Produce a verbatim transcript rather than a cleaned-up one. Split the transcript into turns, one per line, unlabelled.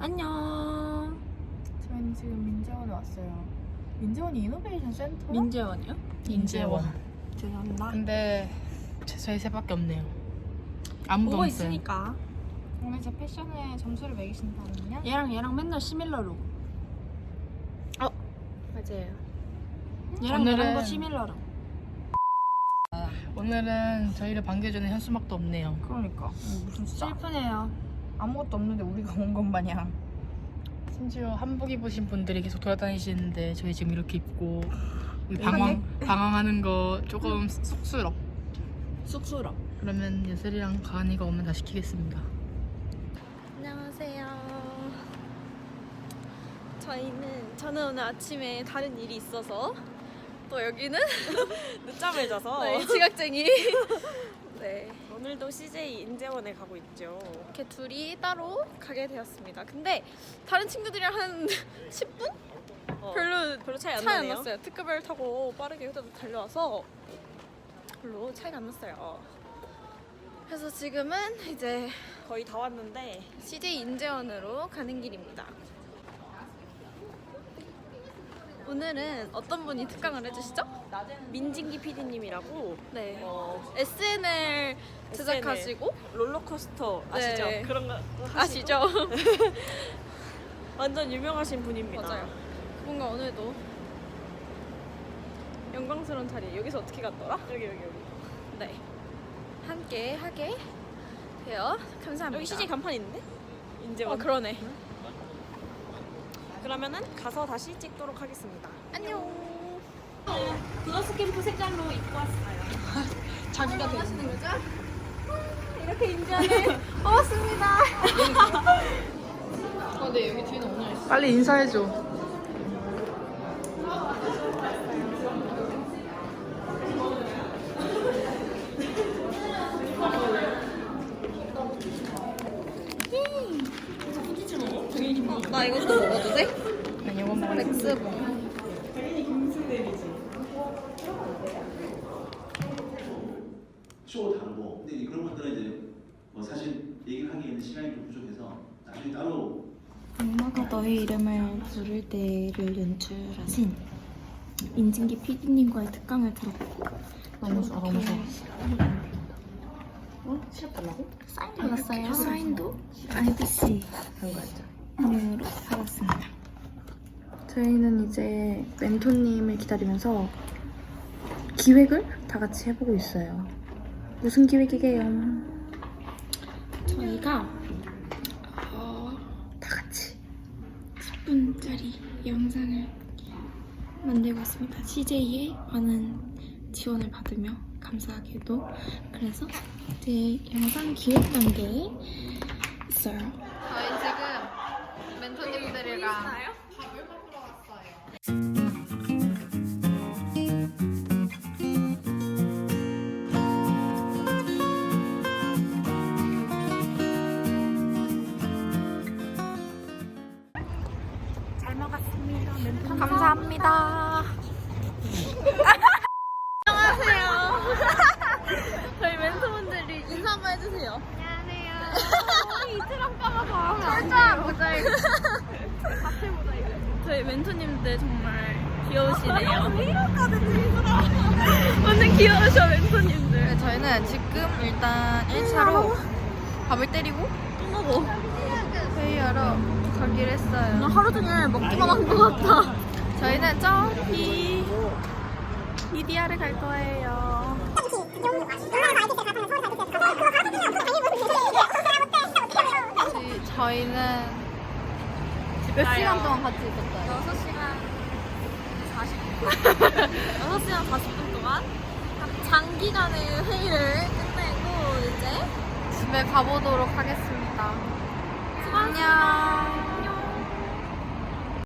안녕.
저희는 지금 민재원에 왔어요. 민재원이 이노베이션 센터?
민재원이요?
인재원.
죄송합니다.
근데 저희 셋밖에 없네요. 아무도
보고
없어요.
있으니까.
오늘 제 패션에 점수를 매기신다면요?
얘랑 얘랑 맨날 시밀러로. 어 맞아요. 얘랑
오늘은-
얘랑도 시밀러로.
오늘은 저희를 반겨주는 현수막도 없네요.
그러니까 무슨 진짜
슬프네요.
아무것도 없는데 우리가 온 것 마냥.
심지어 한복 입으신 분들이 계속 돌아다니시는데 저희 지금 이렇게 입고 방황 방황하는 거 조금 쑥스럽.
쑥스러.
그러면 예슬이랑 가은이가 오면 다 시키겠습니다.
안녕하세요. 저희는 저는 오늘 아침에 다른 일이 있어서 또 여기는
늦잠을 자서
네, 지각쟁이. 네,
오늘도 씨제이 인재원에 가고 있죠.
이렇게 둘이 따로 가게 되었습니다. 근데 다른 친구들이랑 한 십 분?
어,
별로
별로 차이 안
차이 안
나네요.
났어요. 특급을 타고 빠르게 후다닥 달려와서 별로 차이가 안 났어요. 그래서 지금은 이제
거의 다 왔는데
씨제이 인재원으로 가는 길입니다. 오늘은 어떤 분이 특강을 해주시죠?
민진기 피디님이라고
네.
어,
에스엔엘 제작하시고
롤러코스터 아시죠?
네.
그런 거 하시고
아시죠?
완전 유명하신 분입니다.
맞아요. 뭔가 오늘도 영광스러운 자리에 여기서 어떻게 갔더라?
여기 여기 여기.
네. 함께 하게 되어 감사합니다.
여기 씨제이 간판 있는데? 인재원.
어 그러네.
그러면은 가서 다시 찍도록 하겠습니다.
안녕.
브러스 캠프 색깔로 입고 왔어요.
자기가 되시는 거죠? 이렇게 인재원에 고맙습니다. 어, 네 여기 뒤는 오늘
빨리 인사해줘.
어, 나 이것도 먹어도 돼?
아니 이거 먹을래.
엑스봉.
쇼 다르고 근데 그런 것들은 이제 뭐 사실 얘기를 하기에는 시간이 좀 부족해서 나중에 따로
엄마가 너의 이름을 부를 때를 연출하신 인진기 피디님과의 특강을 들었고
너무 좋아 너무 좋아.
사인도 받았어요. 사인도 아이비씨 으로 받았습니다. 저희는 이제 멘토님을 기다리면서 기획을 다 같이 해보고 있어요. 무슨 기획이게요? 저희가 어, 다 같이 십 분짜리 영상을 만들고 있습니다. 씨제이의 많은 지원을 받으며 감사하게도. 그래서 이제 영상 기획 단계에 있어요.
저희 지금 멘토님들이랑 밥을 먹으러 왔어요. 감사합니다. 안녕하세요. 저희 멘토분들이 인사 한번 해주세요. 안녕하세요. 이트랑 까봐서 철저한 모자이크. 같은 모자이크. 저희 멘토님들 정말 귀여우시네요. 완전 귀여우셔 멘토님들.
네, 저희는 지금 일단 일 차로 밥을 때리고
또 먹어.
회의하러 가기로 했어요.
나 하루 종일 먹기만 한 것 같아.
저희는 저기 이디아를 갈 거예요. 저희- 저희는 몇 시간 동안 같이 있었어요?
여섯 시간 사십 분. 여섯 시간 사십 분 동안 장기간의 회의를 끝내고 이제
집에 가보도록 하겠습니다.
수고하셨습니다.
안녕.